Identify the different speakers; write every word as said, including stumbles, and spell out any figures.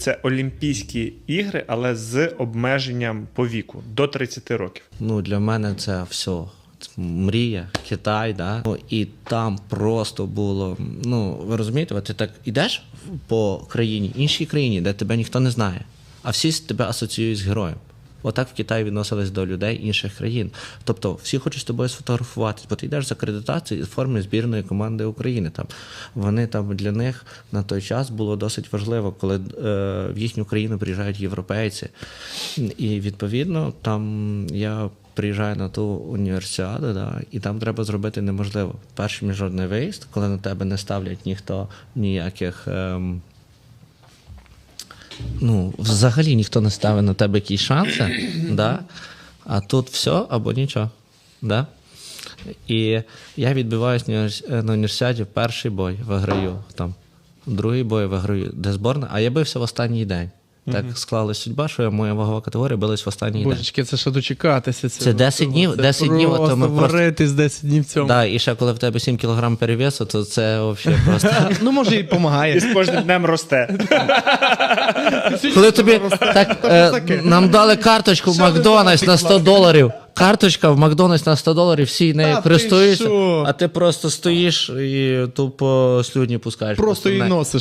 Speaker 1: це Олімпійські ігри, але з обмеженням по віку до тридцяти років.
Speaker 2: Ну, для мене це все. Мрія, Китай, да? Ну, і там просто було, ну, ви розумієте, от ти так ідеш по країні, іншій країні, де тебе ніхто не знає, а всі тебе асоціюють з героєм. Отак в Китаї відносились до людей інших країн. Тобто всі хочуть з тобою сфотографуватися, бо ти йдеш з акредитації з форми збірної команди України. Там. Вони там для них на той час було досить важливо, коли е, в їхню країну приїжджають європейці. І відповідно там я приїжджаю на ту універсіаду, да, і там треба зробити неможливо. Перший міжнародний виїзд, коли на тебе не ставлять ніхто ніяких... Е, Ну, взагалі ніхто не ставить на тебе якісь шанси, да? А тут все або нічого. Да? І я відбиваюсь на університеті, перший бой виграю, там, другий бой виграю, де зборна, а я бився в останній день. Так mm-hmm. склалась судьба, що моя вагова категорія билась в останній
Speaker 3: Божечки,
Speaker 2: день.
Speaker 3: це ще дочекатися. Це,
Speaker 2: це десять днів,
Speaker 3: це
Speaker 2: десять днів, то ми
Speaker 3: варитись десять днів в цьому.
Speaker 2: Да, і ще коли в тебе сім кілограм перевесу, то це взагалі просто...
Speaker 3: Ну, може, і допомагає.
Speaker 1: І з кожним днем росте.
Speaker 2: Коли тобі так, е, нам дали карточку в Макдональдс на сто доларів, карточка в Макдональдс на сто доларів, всі нею користуються, а ти просто стоїш і тупо слюдні пускаєш.
Speaker 3: Просто її носиш.